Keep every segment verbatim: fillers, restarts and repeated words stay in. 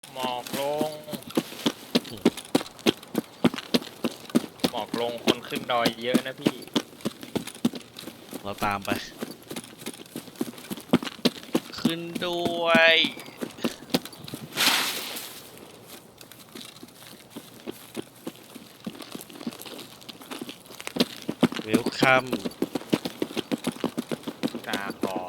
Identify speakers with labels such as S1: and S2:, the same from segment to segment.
S1: หมอกลงหมอกลงคนขึ้นดอยเยอะนะพี่
S2: เราตามไปขึ้นด้วยเวลคัม
S1: กาคอ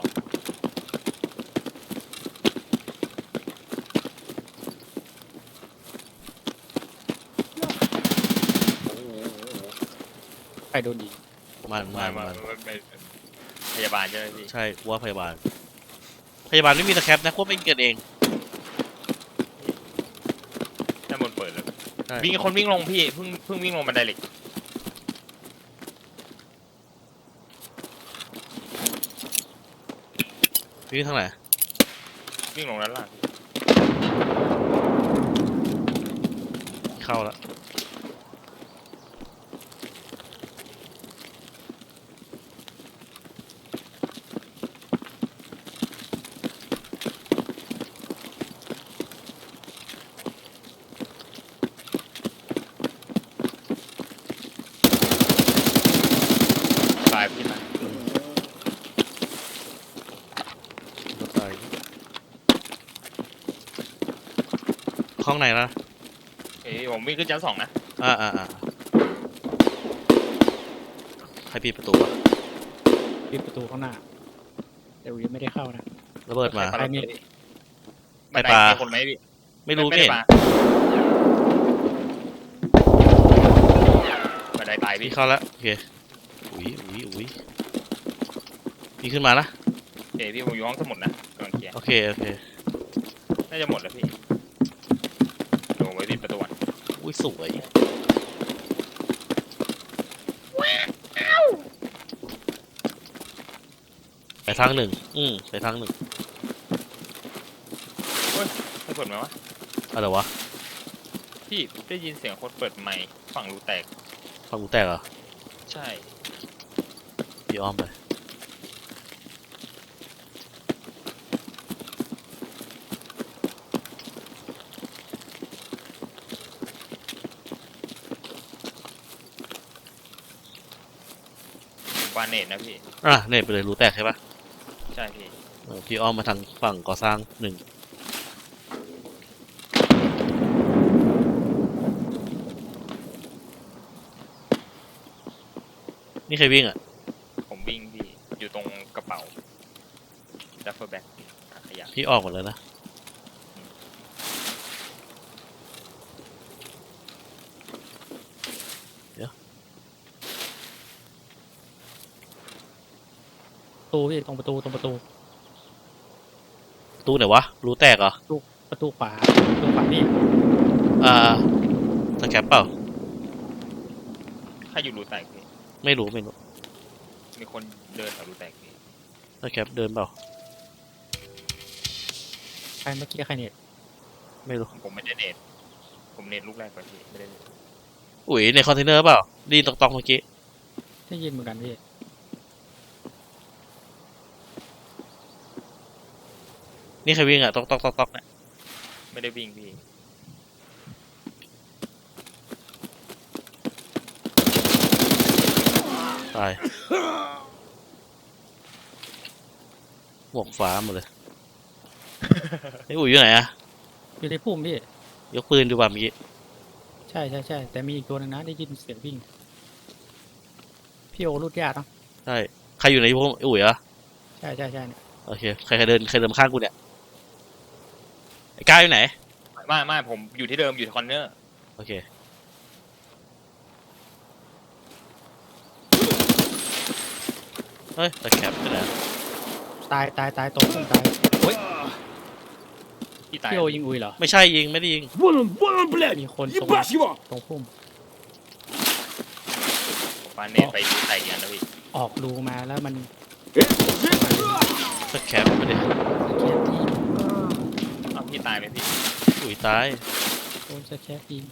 S1: โอ้โห
S3: ใครโดนยิง
S2: มัน
S1: มา
S2: มัน
S1: มา
S2: มัน
S1: มันเป็นพยาบาลใช่ไหมพี่
S2: ใช่ว่าพยาบาลพยาบาลไม่มีตะแคปนะพวกเองเกิดเอง
S1: ด้านบนเปิดเลย
S2: ใช่
S1: วิ่งคนวิ่งลงพี่เพิ่งเพิ่งวิ่งลงบันไดเหล็ก
S2: วิ่งทางไหน
S1: วิ่งลงด้านล่าง
S2: เข้าแล้ว
S1: ตายพี่ตาย
S2: รถไฟห้องไหนล่ะ
S1: เอ้ยผมวิ่งขึ้นชั้นสองนะ
S2: อ่าอ่าอ่าใครปิดประตูวะ
S3: ปิดประตูข้างหน้าแต่วิวไม่ได้เข้านะ
S2: ระเบิดมา
S1: ใครปาระเบิด
S2: ไม่
S1: บันได
S2: ปา
S1: มีคนไหมพี่
S2: ไม่รู้
S1: ไม่
S2: ไม่
S1: ได้
S2: เห็น
S1: ปาบันไดตายพี่
S2: พี่เข้าแล้วโอเคอุ้ยอุ้ยอุ้ยพี่ขึ้นมานะ
S1: เอ้ยพี่ผมอยู่ห้องสมุดนะกำลังเคลียร์
S2: โอเคโอเค
S1: น่าจะหมดแล้วพี่ลงไว้ปิดประตูก่อน
S2: อุ้ยสวยไปทางหนึ่งอืมไปทางหนึ่ง
S1: ให้เปิดไหมวะ
S2: อะไรวะ
S1: พี่ได้ยินเสียงคนเปิดไมค์ฝั่งรูแตก
S2: ฟังกูแตกเหรอ
S1: ใช่
S2: พี่อ้อมไป
S1: บานเนตนะพี่
S2: อ่ะเนี่ยไปเลยรู้แตกใช่ปะ
S1: ใช่พี่
S2: เออพี่อ้อมมาทางฝั่งก่อสร้างหนึ่งนี่ใครวิ่งอ่ะ
S1: ผมวิ่งพี่อยู่ตรงกระเป๋าดัฟเฟอร์แบ็กขยะ
S2: พี่ออกหมดแล้วนะเดี๋ยว
S3: ประตูพี่ตรงประตูตรงประตู
S2: ตู้ไหนวะรู้แตกเหรอ
S3: ประตูขวาประตูขวาพี่
S2: อ่าสแคปเปล่า
S1: ใครอยู่รูแตกพี่
S2: ไม่รู้ไม่รู้
S1: มีคนเดินแถวรูแตกพี่
S2: สแคปเดินเปล่า
S3: ใครเมื่อกี้ใครเน็ต
S2: ไม่รู้
S1: ผมไม่ได้เนตผมเนตลูกแรกไปพี่ไม่ได้เนต
S2: อุ๋ยในคอนเทนเนอร์เปล่าไดีตอกตอกเมื่อกี้
S3: ได้ยินเหมือนกันพี่
S2: นี่ใครวิ่งอ่ะตอกตอกตอกตอกเนี่ย
S1: ไม่ได้วิ่งพี่
S2: ตายหมวกฟ้าหมดเลยไอ้อุ๋ยอยู่ไหนอ่ะ
S3: อยู่ในพุ่มพี่
S2: ยกปืนดูบ่าเมื่อกี้
S3: ใช่ใช่ใช่แต่มีอีกตัวหนึงนะได้ยินเสียงวิ่งพี่โอรุดยากเนาะ
S2: ใช่ใครอยู่ในพวกไอ้อุ๋ยอ่ะ
S3: ใช่ใช่ใช่เนี่ย
S2: โอเคใครใครเดินใครเดินมาข้างกูเนี่ยไอ้ก้าวอยู่ไหน
S1: ไม่ไม่ผมอยู่ที่เดิมอยู่ที่คอนเนอร์
S2: โอเคเฮ้ยตะแคปไปไหน
S3: ตายตายตายตรงพุ่มตายเฮ้ย
S1: ที่ตาย
S3: พี่โอยิงอุยเหรอ
S2: ไม่ใช่ยิงไม่ได้ยิง
S4: Вон он, вон он, блядь!
S3: มีคนตรง
S4: Ебашь его!
S3: ตรงพุ่ม
S1: ผมปาเนตไปรูแตกอย่างนะพี่
S3: ออกรูมาแล้วมัน
S2: ตะแคปไปดิ
S3: สแคปยิง
S1: อ้าวพี่ตายไหมพี่
S2: อุ๋ยตาย
S3: โดนสแคปยิง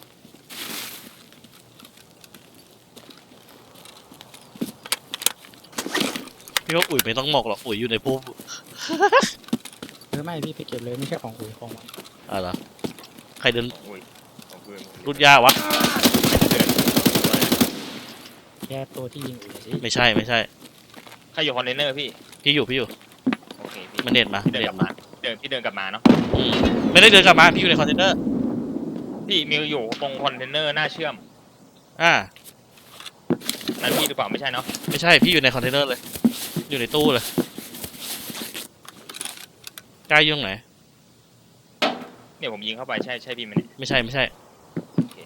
S2: พี่ว่าอุ๋ยไม่ต้องหมอกหรอกอุ๋ยอยู่ในพุ่ม
S3: หรือไม่พี่ไปเก็บเลยไม่ใช่ของอุยของมัน
S2: อ่ะเหรอใครเดิน
S1: อุ้ยผมปืนผม
S2: รุดยาวะ
S1: เดิน
S3: แค่ตัวที่ยิงอยู่สิ
S2: ไม่ใช่ไม่ใช่
S1: ใครอยู่คอนเทนเนอร์พี่
S2: พี่อยู่พี่อยู่
S1: โอเคพี่
S2: มันเด็ดมา
S1: พี่เดิน
S2: เด็
S1: ก
S2: ด
S1: ลับ
S2: มา
S1: มาเดินพี่เดินกลับมาเนาะ
S2: อืมไม่ได้เดินกลับมาพี่อยู่ในคอนเทนเนอร์
S1: พี่มิวอยู่ตรงคอนเทนเนอร์หน้าเชื่อม
S2: อ่า
S1: นั่นพี่หรือเปล่าไม่ใช่เนาะ
S2: ไม่ใช่พี่อยู่ในคอนเทนเนอร์เลย อยู่ในตู้เลยกล้ายุ่งไหน
S1: เนี่ยผมยิงเข้าไปใช่ใช่พี่ไหมเนี่ย
S2: ไม่ใช่ไม่ใช่
S1: โอเค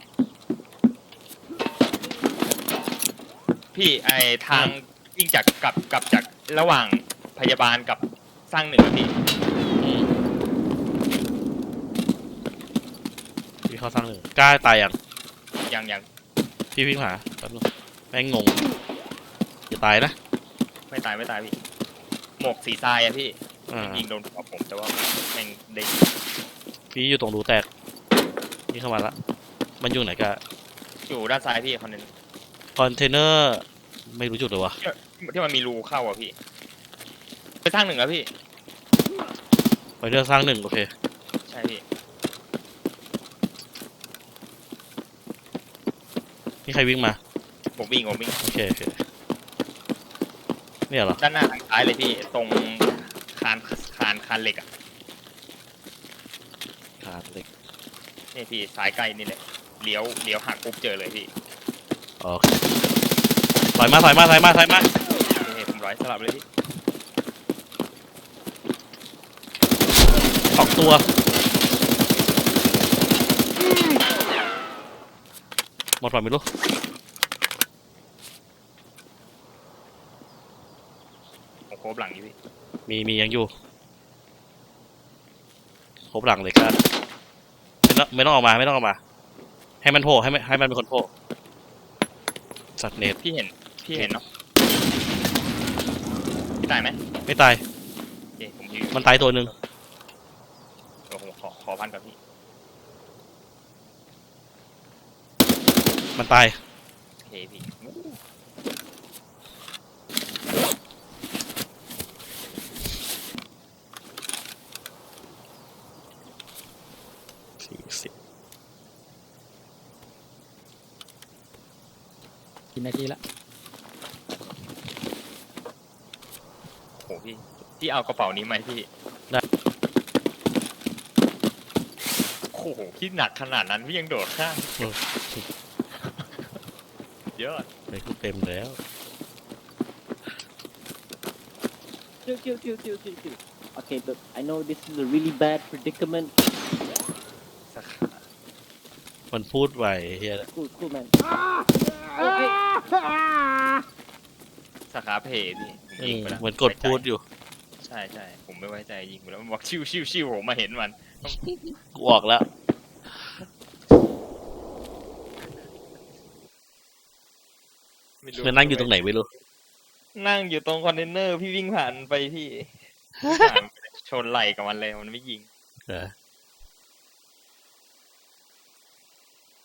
S1: พี่ไอทางวิ่งจากกลับกลับจากระหว่างพยาบาลกับสร้างเหนือพี่
S2: อืมพี่เขาสร้างหนึ่งกล้าตายยัง
S1: ยังยัง
S2: พี่วิ่งหาแป๊บนึงแม่งงงอย่าตายนะ
S1: ไม่ตายไม่ตายพี่หมวกสีทรายอะพี่
S2: อ่า
S1: ยิงโดนหัวผมแต่ว่าแม่งเด้ง
S2: พี่อยู่ตรงรูแตกนี่เข้ามาละมันอยู่ไหนกัน
S1: อยู่ด้านซ้ายพี่คอนเทน
S2: คอนเทนเนอร์ไม่รู้จุดเลยวะ
S1: ที่มันมีรูเข้าอะพี่ไปสร้างหนึ่งอะพี่
S2: ไปเรื่องสร้างหนึ่งโอเค
S1: ใช่พี่
S2: นี่ใครวิ่งมา
S1: ผมวิ่งผมวิ่ง
S2: โอเคโอเคเนี่ยเหรอ
S1: ด้านหน้าทางซ้ายเลยพี่ตรงคานคานคานเหล็กอะ
S2: ขาดเหล็ก
S1: นี่พี่ซ้ายใกล้นี่แหละเลี้ยวเลี้ยวหักปุ๊บเจอเลยพี่
S2: โอเคถอยมาถอยมาถอยมาถอยมา
S1: นี่ผมร้อยสลับเลยพี่
S2: สองตัวหมดป่ะไม่รู้
S1: ผมโคบหลังอยู่พี่
S2: มีมียังอยู่ครบหลังเลยกันไม่ต้องไม่ต้องออกมาไม่ต้องออกมา ให้มันโผล่ให้มันให้มันเป็นคนโผล่สัตว์เนต
S1: พี่เห็นพี่เห็นเนาะพี่ตายไหม
S2: ไม่ตาย
S1: โอเคผมยืน
S2: มันตายตัวหนึ่ง
S1: เดี๋ยวผมขอขอพันกับพี่
S2: มันตาย
S1: โอเคพี่
S2: สี่สิบ
S3: กี่นาทีละ
S1: โหพี่พี่เอากระเป๋านี้ไหมพี่โอ้โหพี่หนักขนาดนั้นพี่ยังโดดข้ามเยอะ
S2: ไปกูเต็มแล้ว
S4: Chill, chill, chill, chill, chill, chill. Okay, look, I know this is a really bad predicament.
S1: สักขา
S2: มันพูดไวเฮีย
S4: Cool, cool, man.
S1: สาขาเพจพี่ผมยิงไปแล้ว
S2: เหมือนกดพูดอยู่
S1: ใช่ใช่ผมไม่ไว้ใจยิงไปแล้วมันบอกชิวชิวชิวผมมาเห็นมัน
S2: กูออกแล้ว
S1: ไม่รู้
S2: มันนั่งอยู่ตรงไหนไม่รู้
S1: นั่งอยู่ตรงคอนเทนเนอร์พี่วิ่งผ่านไปพี่ ผ่านชนไหล่กับมันเลยมันไม่ยิง
S2: เออ